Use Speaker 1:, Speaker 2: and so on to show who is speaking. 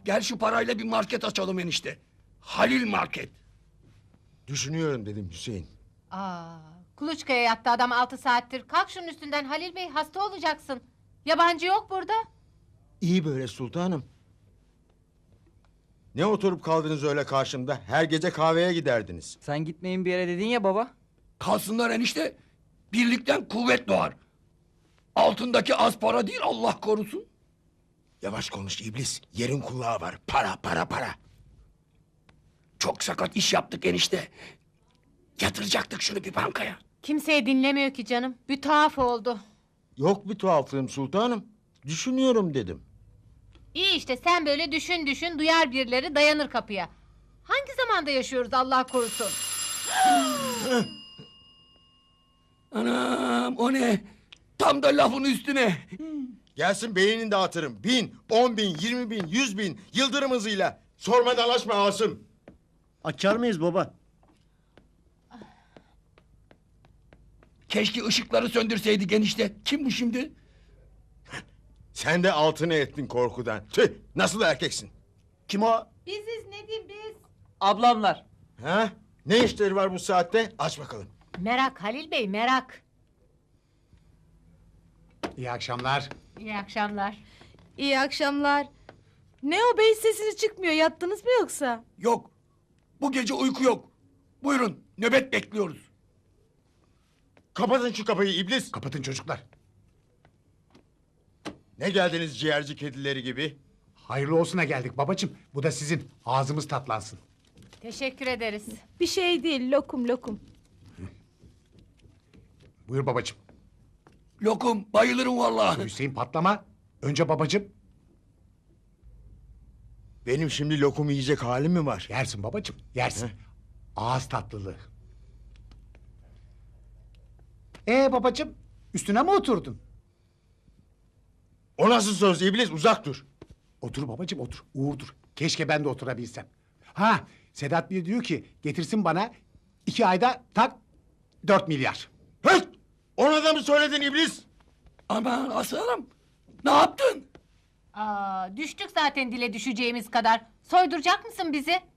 Speaker 1: Gel şu parayla bir market açalım enişte. Halil Market.
Speaker 2: Düşünüyorum dedim Hüseyin.
Speaker 3: Kuluçkaya yattı adam 6 saattir. Kalk şunun üstünden Halil Bey, hasta olacaksın. Yabancı yok burada.
Speaker 2: İyi böyle sultanım. Ne oturup kaldınız öyle karşımda? Her gece kahveye giderdiniz.
Speaker 4: Sen gitmeyin bir yere dedin ya baba.
Speaker 1: Kalsınlar enişte. Birlikten kuvvet doğar. Altındaki az para değil, Allah korusun.
Speaker 2: Yavaş konuş iblis. Yerin kulağı var. Para para para.
Speaker 1: Çok sakat iş yaptık enişte. Yatıracaktık şunu bir bankaya.
Speaker 3: Kimseye dinlemiyor ki canım. Bir tuhaf oldu.
Speaker 2: Yok bir tuhaflığım sultanım. Düşünüyorum dedim.
Speaker 3: İyi işte, sen böyle düşün düşün, duyar birileri, dayanır kapıya. Hangi zamanda yaşıyoruz Allah korusun?
Speaker 1: Anam, o ne? Tam da lafın üstüne.
Speaker 2: Gelsin beynini dağıtırım. 1000, 10.000, 20.000, 100.000 yıldırım hızıyla. Sorma dalaşma Asım.
Speaker 5: Açar mıyız baba?
Speaker 1: Keşke ışıkları söndürseydik enişte. Kim bu şimdi?
Speaker 2: Sen de altını ettin korkudan. Tüh, nasıl erkeksin?
Speaker 5: Kim o?
Speaker 3: Biziz Nedim, biz.
Speaker 4: Ablamlar.
Speaker 2: Ha? Ne işleri var bu saatte? Aç bakalım.
Speaker 3: Merak Halil Bey, merak.
Speaker 6: İyi akşamlar.
Speaker 3: İyi akşamlar.
Speaker 7: İyi akşamlar. Ne o bey, sesiniz çıkmıyor, yattınız mı yoksa?
Speaker 1: Yok. Bu gece uyku yok. Buyurun, nöbet bekliyoruz.
Speaker 2: Kapatın şu kapıyı iblis.
Speaker 6: Kapatın çocuklar.
Speaker 2: Ne geldiniz ciğerci kedileri gibi?
Speaker 6: Hayırlı olsuna geldik babacığım. Bu da sizin. Ağzımız tatlansın.
Speaker 3: Teşekkür ederiz.
Speaker 7: Bir şey değil, lokum lokum.
Speaker 6: Buyur babacığım.
Speaker 1: Lokum, bayılırım vallahi.
Speaker 6: Hüseyin patlama. Önce babacığım.
Speaker 2: Benim şimdi lokum yiyecek halim mi var?
Speaker 6: Yersin babacığım, yersin.
Speaker 2: Heh.
Speaker 6: Ağız tatlılığı. Babacığım, üstüne mi oturdun?
Speaker 2: O nasıl söz iblis uzak dur.
Speaker 6: Otur babacığım, otur. Uğurdur. Keşke ben de oturabilsem. Ha, Sedat Bey diyor ki getirsin bana 2 ayda tak 4 milyar.
Speaker 2: Hıt! Ona da mı söyledin iblis?
Speaker 1: Aman aslanım, ne yaptın?
Speaker 3: Düştük zaten dile düşeceğimiz kadar. Soyduracak mısın bizi?